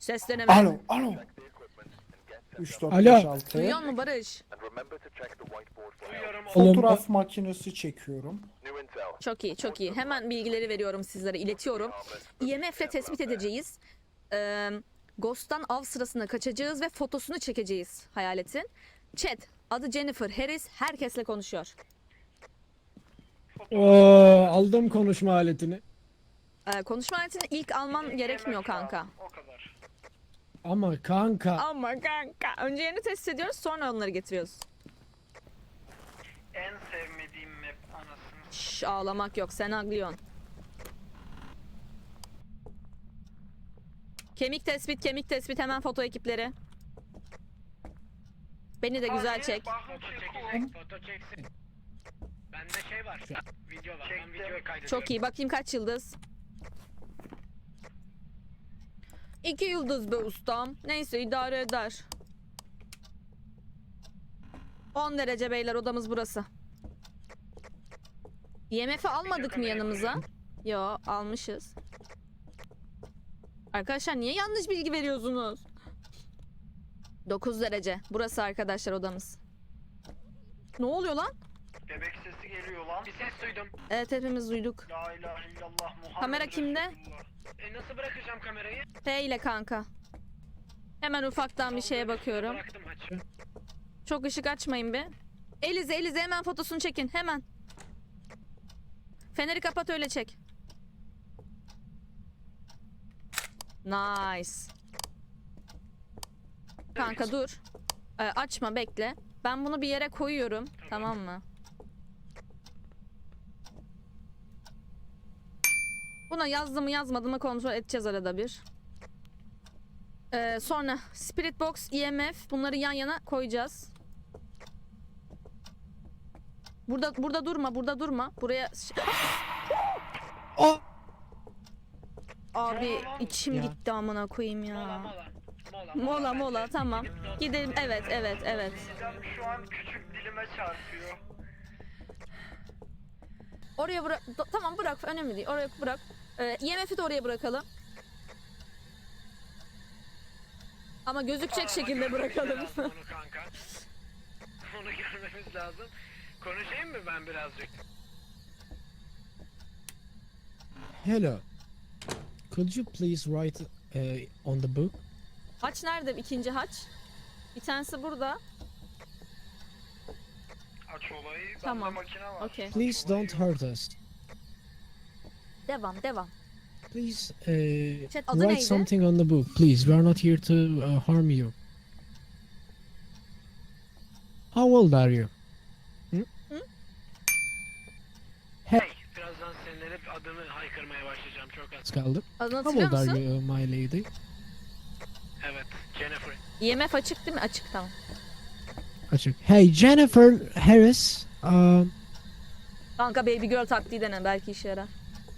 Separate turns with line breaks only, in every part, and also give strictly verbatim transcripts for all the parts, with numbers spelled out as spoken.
Ses deneme.
Alo, alo. üç, dört,
Alo.
beş, altı.
Duyuyor musun Barış?
Duyuyorum oğlum.
Oğlum,
Fotoğraf makinesi çekiyorum.
Çok iyi, çok iyi. Hemen bilgileri veriyorum sizlere, iletiyorum. I M F'le tespit edeceğiz. Ee, Ghost'tan av sırasında kaçacağız ve fotosunu çekeceğiz hayaletin. Chat, adı Jennifer Harris, herkesle konuşuyor.
Oo, aldım konuşma aletini.
Ee, konuşma aletini ilk alman gerekmiyor kanka.
O kadar.
Ama kanka.
Ama kanka. Önce yerini test ediyoruz, sonra onları getiriyoruz.
En sevmediğim map anasını.
Şşş, ağlamak yok, sen aglıyorsun. Kemik tespit, kemik tespit, hemen foto ekipleri. Beni de güzel çek.
Foto çekecek, foto çeksin. Bende şey var. Video var. Ben videoyu kaydediyorum.
Çok iyi, bakayım kaç yıldız. İki yıldız be ustam. Neyse, idare eder. on derece beyler, odamız burası. I M F'i almadık mı yanımıza? Yo, almışız. Arkadaşlar niye yanlış bilgi veriyorsunuz? dokuz derece. Burası arkadaşlar odamız. Ne oluyor lan?
Bebek sesi geliyor lan. Bir ses duydum.
Evet, hepimiz duyduk.
La ilahe illallah Muhammed
Kamera kimde?
Resulullah. E nasıl bırakacağım kamerayı?
P ile kanka. Hemen ufaktan bir şeye bakıyorum.
Bıraktım açık.
Çok ışık açmayın be. Elize, Elize hemen fotosunu çekin. Hemen. Feneri kapat, öyle çek. Nice. Kanka dur. Ee, açma, bekle. Ben bunu bir yere koyuyorum. Tamam mı? Buna yazdı mı yazmadı mı kontrol edeceğiz arada bir. Ee, sonra Spirit Box, E M F, bunları yan yana koyacağız. Burada burada durma, burada durma. Buraya
O.
abi içim
Ya.
gitti amına koyayım ya.
Mola mola. Mola
Mola mola,
bence.
tamam.
Gidip dört-
Gidelim, evet evet evet.
Midem şu an küçük dilime çarpıyor.
Oraya bırak, do- tamam bırak, önemli değil. Oraya bırak. Ee, E M F'i de oraya bırakalım. Ama gözükecek
Ama
şekilde
görmemiz
bırakalım.
lazım Onu kanka. Onu görmemiz lazım. Konuşayım mı ben birazcık?
Hello. Could you please write uh, on the book?
Haç nerede? İkinci haç. Bir tanesi burada.
Aç olayı. Bende
Tamam.
makine var.
Okey.
Please don't hurt us.
Devam, devam.
Please uh,
Chat, adı
write
neydi?
something on the book. Please, we are not here to uh, harm you. How old are you?
Hey, birazdan sinirlenip adını haykırmaya başlayacağım çok az.
Kaldı.
Adını
How
hatırlıyor
old are
musun?
you, uh, my lady?
Evet, Jennifer.
E M F açık değil mi? Açık, tamam.
Açık. Hey, Jennifer Harris. Um,
Kanka baby girl taktiği dene, belki işe yarar.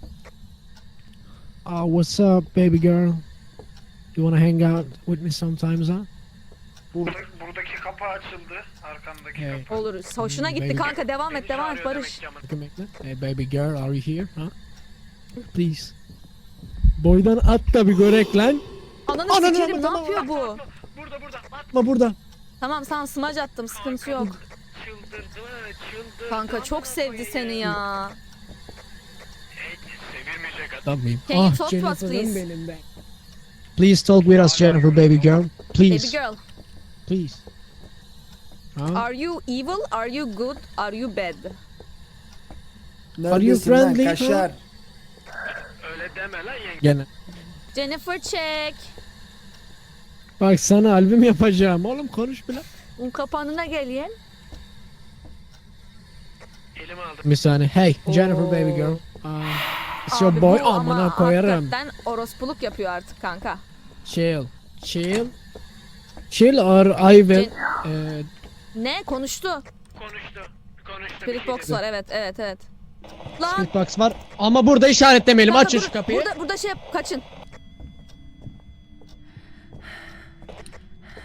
uh, what's up, baby girl? You wanna hang out with me sometimes, huh?
Burada, buradaki kapı açıldı. Arkandaki
Hey.
kapı.
Olur. Hoşuna
Hmm,
gitti
baby.
kanka, devam et,
Beni
devam et
çağırıyor
Barış.
demek ki
Bakın bekle. Hey, baby girl, are you here, huh? Please. Boydan at da bir görek lan.
Ananı
Ananı
sikerim, ne
tamam,
yapıyor bu?
ama- Burada burada. At.
Atma burada.
Tamam, sana smaç attım, sıkıntı yok.
Çıldırdı, çıldırdı.
Kanka çok sevdi seni ya.
Hey, sevilmeyecek adam.
Adam mıyım?
Can you
Ah,
talk to us,
Jennifer'ım
please?
benim be. Please talk with us, Jennifer, baby girl. Please,
Baby girl,
please. Huh?
are you evil? Are you good? Are you bad?
Neredesin lan
friendly,
kaşar?
Öyle deme lan yenge.
Gene.
Jennifer check.
Bak sana albüm yapacağım. Oğlum konuş bile.
Un kapanına gelin.
Elimi aldım.
Bir saniye. Hey, Jennifer,
Oo.
baby girl. Uh, it's your
Abi
boy.
bu ama
Amına koyarım.
hakikaten orospuluk yapıyor artık kanka.
Chill. Chill. Chill or I will.
Jen-
Uh,
Ne? Konuştu.
Konuştu. Konuştu. bir
Spirit
şey
box
dedi.
var, evet evet evet. Lan.
Spirit box var. Ama burada işaretlemeyelim.
kanka
Açın
dur,
şu kapıyı.
Burada, burada şey yap, kaçın.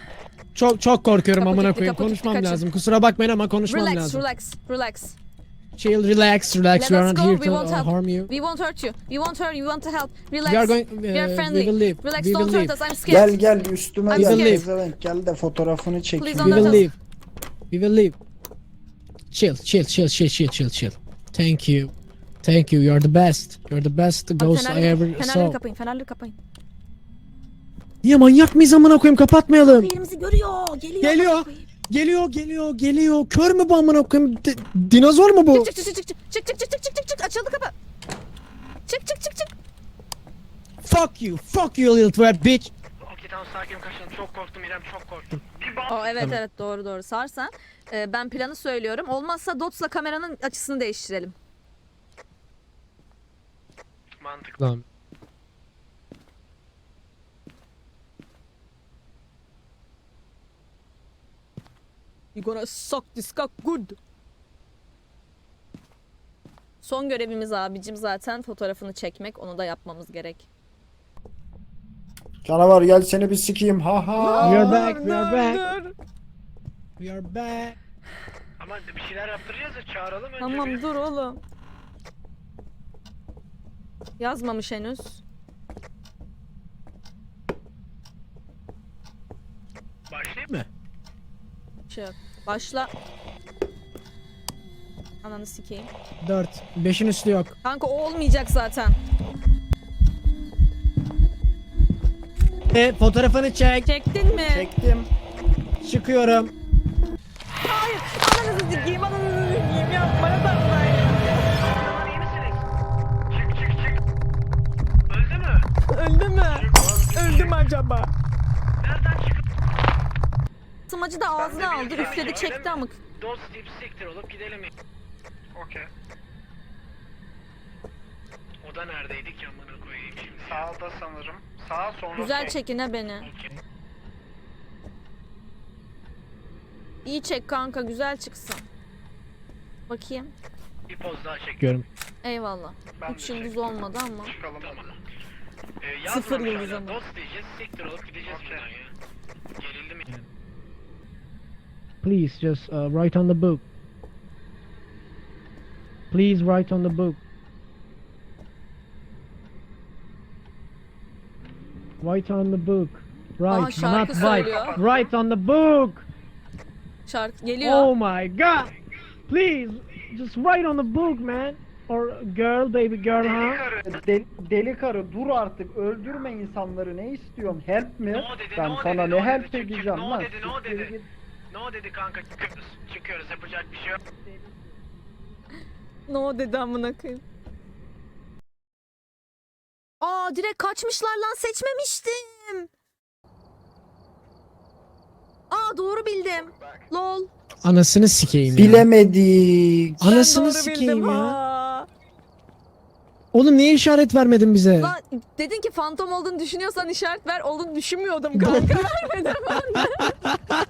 Çok çok korkuyorum
Kapı
amına
kilitli,
koyayım.
kapı kilitli,
Konuşmam
kaçın.
lazım. Kusura bakmayın ama konuşmam
Relax,
lazım.
relax, relax.
Chill, relax, relax.
Let
We are
us
not
go,
here
we
to
won't
uh,
help.
harm you.
We won't hurt you. We won't hurt you. We want to help. Relax.
We are going.
We are
Uh,
friendly.
we will leave.
Relax,
We will
don't hurt
leave.
us. I'm scared.
Gel gel üstüme
I'm
gel.
scared.
Pezevenk gel de fotoğrafını çekeyim.
Please
We
don't
will
hurt us.
leave. We will leave. Chill, chill, chill, chill, chill, chill, chill. Thank you. Thank you. You're the best. You're the best
Abi
ghost I
fenerleri,
ever
fenerleri
saw.
kapayın. Fenerleri kapayın.
Niye manyak mıyız amına koyayım? Kapatmayalım.
Yerimizi görüyor. Geliyor.
Geliyor. Geliyor, geliyor, geliyor. Kör mü bu amına koyayım? Di- dinozor mu bu?
Çık çık çık çık çık çık çık çık çık çık çık çık açıldı kapı. Çık çık çık çık.
Fuck you. Fuck you little twat bitch.
Okey tamam sakin kaçalım. Çok korktum İrem çok korktum. Bir bak.
Aa, evet evet doğru doğru sarsan. Ee, ben planı söylüyorum. Olmazsa Dots'la kameranın açısını değiştirelim.
Mantıklı.
Lan.
You gonna suck this cock good. Son görevimiz abicim zaten fotoğrafını çekmek. Onu da yapmamız gerek.
Canavar gel seni bir sikeyim. Ha ha.
We are back, we
Dur,
are back.
dur.
We are back.
Ama bir şeyler yaptıracağız ya çağıralım önce
Tamam
bir.
dur oğlum. Yazmamış henüz.
Başlayayım
mı?
Şey yok. Başla. Ananı sikeyim.
Dört. Beşin üstü yok.
Kanka o olmayacak zaten.
E, fotoğrafını çek.
Çektin mi?
Çektim.
Çıkıyorum.
Hayır. Ananızı sikeyim. Ananızı sikeyim. Yapma yapma.
Aman iyi misiniz? Çık çık çık. Öldü mü?
Öldü mü? Öldü mü acaba?
Nereden çıkıp
Sımacı da ağzına aldı. Üfledi çekti amık.
dost deyip siktir olup gidelim. Okey. O da neredeydi ki amına koyayım şimdi? Sağda sanırım. Sağa sonra
Güzel çekine beni.
Okey.
İyi çek kanka güzel çıksın. Bakayım.
Bir poz daha çek.
Görüm.
Eyvallah.
Ben
Üç
de
yıldız
çektim.
olmadı ama.
Çıkalım tamam. Ee,
Sıfır
yazmamış
yıldız
hala.
ama.
Dost diyeceğiz, siktir olup gideceğiz buradan ya. Gerildim ya.
Please just uh, write on the book. Please write on the book. Write on the book.
Aa,
Write,
şarkı
not write.
söylüyor.
Write on the book.
Şarkı geliyor.
Oh my god. Please, just write on the book, man. Or girl, baby girl, huh?
De- deli karı dur artık. Öldürme insanları. Ne istiyorsun? Help mi?
No dedi,
Ben
no
sana
dedi,
ne
no
help
dedi, çık, çık,
edeceğim
no
lan.
dedi, no
Siktir
dedi.
git.
No dedi kanka çıkıyoruz. Çıkıyoruz yapacak bir şey yok.
No dedi amına koyayım. Aa direkt kaçmışlar lan seçmemiştim. Aa doğru bildim. Lol.
Anasını sikeyim ya.
Bilemedik.
Anasını
Ben doğru
sikeyim
bildim,
ya.
ha.
Oğlum niye işaret vermedin bize?
Lan dedin ki fantom olduğunu düşünüyorsan işaret ver. Olduğunu düşünmüyordum kanka. Vermedim ben de.